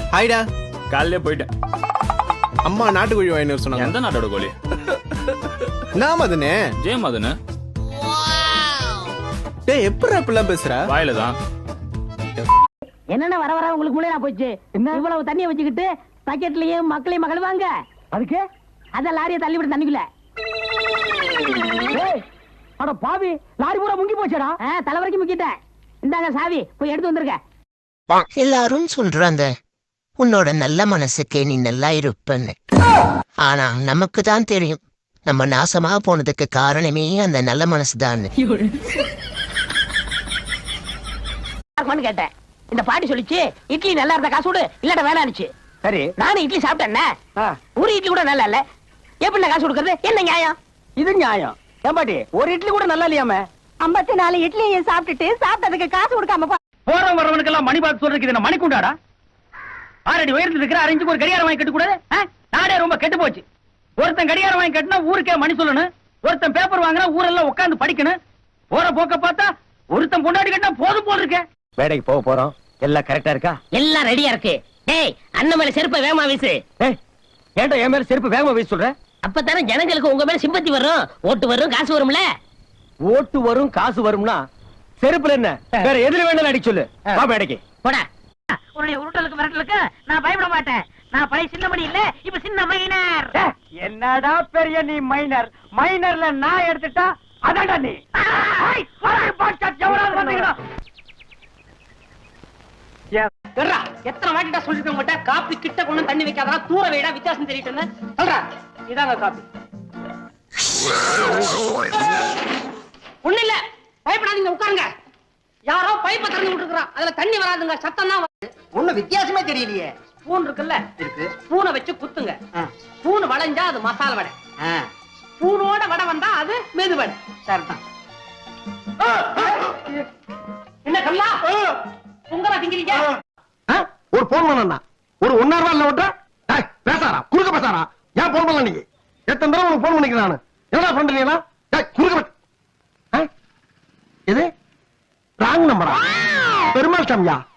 ஹாய்டா. காலையிலே போயிட்டேன். அம்மா நாட்டுக்கோழி வாங்கிட்டு சொன்னாங்க. எந்த நாட்டோட கோழி? நான் மதனே. ஜெய மதனு. டேய் எப்பற இப்பலாம் பேசுற? வாயில தான். என்னென்ன வர வர உங்களுக்கு முளையா போச்சு? இவ்வளவு தண்ணியை வச்சுக்கிட்டு பக்கெட்லயும் மக்களையும் மகளுவாங்க. அதுக்கு அத லாரியை தள்ளி விட்டு தண்ணிக்குள்ள. அட பாவி, லாரி பூரா முங்கி போச்சடா. தலை வரைக்கும் முக்கிட்டேன். இந்தாங்க சாவி, போய் எடுத்து வந்திருக்க. எல்லாரும் சொல்றாங்க உன்னோட நல்ல மனசுக்கே நீ நல்லா இருப்பன்னு. ஆனா நமக்கு தான் தெரியும் நம்ம நாசமா போனதுக்கு காரணமே அந்த நல்ல மனசுதான். கேட்டேன். இந்த பாட்டி சொல்லிச்சு இட்லி நல்லா இருந்த காசு விடு, இல்லட வேணாச்சு. சரி, நானும் இட்லி சாப்பிட்டேன். ஒரு இட்லி கூட நல்லா இல்ல. எப்படி காசு கொடுக்கறது? என்ன நியாயம் இது? நியாயம் ஏம்பாட்டி, ஒரு இட்லி கூட நல்லா இல்லையாம? 54 இட்லியை சாப்பிட்டுட்டு சாப்பிட்டதுக்கு காசு கொடுக்காம போறவன் வரவனுக்கெல்லாம் மணி பார்த்து சொல்றதுக்கு இது மணி குண்டாடா? ஆறடி உயரத்துல இருக்கிற அரஞ்சுக்கு ஒரு கடிகாரம் வாங்கி கட்டு கூடாது? நாடே ரொம்ப கெட்டு போச்சு. ஒருத்தன் கடிகாரம் வாங்கி கட்டினா ஊருக்கே மணி சொல்லணும். ஒருத்தன் பேப்பர் வாங்கினா ஊரெல்லாம் உட்காந்து படிக்கணும். போற போக்க பார்த்தா ஒருத்தன் பொண்டாடி கட்டினா போதும் போல் இருக்க. வேலைக்கு போக போறோம். எல்லாம் கரெக்டா இருக்கா? எல்லாம் ரெடியா இருக்கு. டேய், அண்ணன் மேல செருப்பை வேகமா வீசு. ஏன்டா என் மேல செருப்பு வேகமா வீச சொல்ற? அப்பதானே ஜனங்களுக்கு உங்க மேல சிம்பத்தி வரும். ஓட்டு வரும், காசு வரும்ல. ஓட்டு வரும், காசு வரும்னா செருப்புல என்ன வேற எதுல வேணாலும் அடிக்க சொல்லு. வா மேடைக்கு போடா. உன்னுடைய உருட்டலுக்கு மிரட்டலுக்கு நான் பயப்பட மாட்டேன். நான் பழைய சின்ன மணி இல்ல, இப்ப சின்ன மைனர். என்னடா பெரிய நீ மைனர்? மைனர்ல நான் எடுத்துட்டா அதான்டா நீ. எத்தனை வாட்டிட்டா சொல்லிருக்க உங்ககிட்ட காப்பி கிட்ட கொண்டு தண்ணி வைக்காதா, தூர வைடா, வித்தியாசம் தெரியிட்டு சொல்றா. இதாங்க காப்பி. ஒண்ணு இல்ல, பயப்படாதீங்க, உட்காருங்க. யாரோ பைப்பை திறந்து விட்டுருக்கான், அதுல தண்ணி வராதுங்க, சத்தம் தான் வருது. ஒண்ணு வித்தியாசமே தெரியலையே. ஸ்பூன் இருக்குல்ல, இருக்கு. ஸ்பூனை வச்சு குத்துங்க. ஸ்பூன் வளைஞ்சா அது மசாலா வடை. ஸ்பூனோட வடை வந்தா அது மெது வடை. சரிதான். என்ன கல்லா உங்களா திங்கிறீங்க? ஒரு போன் பண்ணா ஒரு 1.5 ரூபாய் இல்ல ஓட்ட பேசாரா குறுக்க பேசாரா? ஏன் போன் பண்ணல? நீங்க எத்தனை தடவை உனக்கு போன் பண்ணிக்கிறேன் நானு. என்ன பண்றீங்களா? குறுக்க இது ராங் நம்பரா? பெருமாள் சாமியா?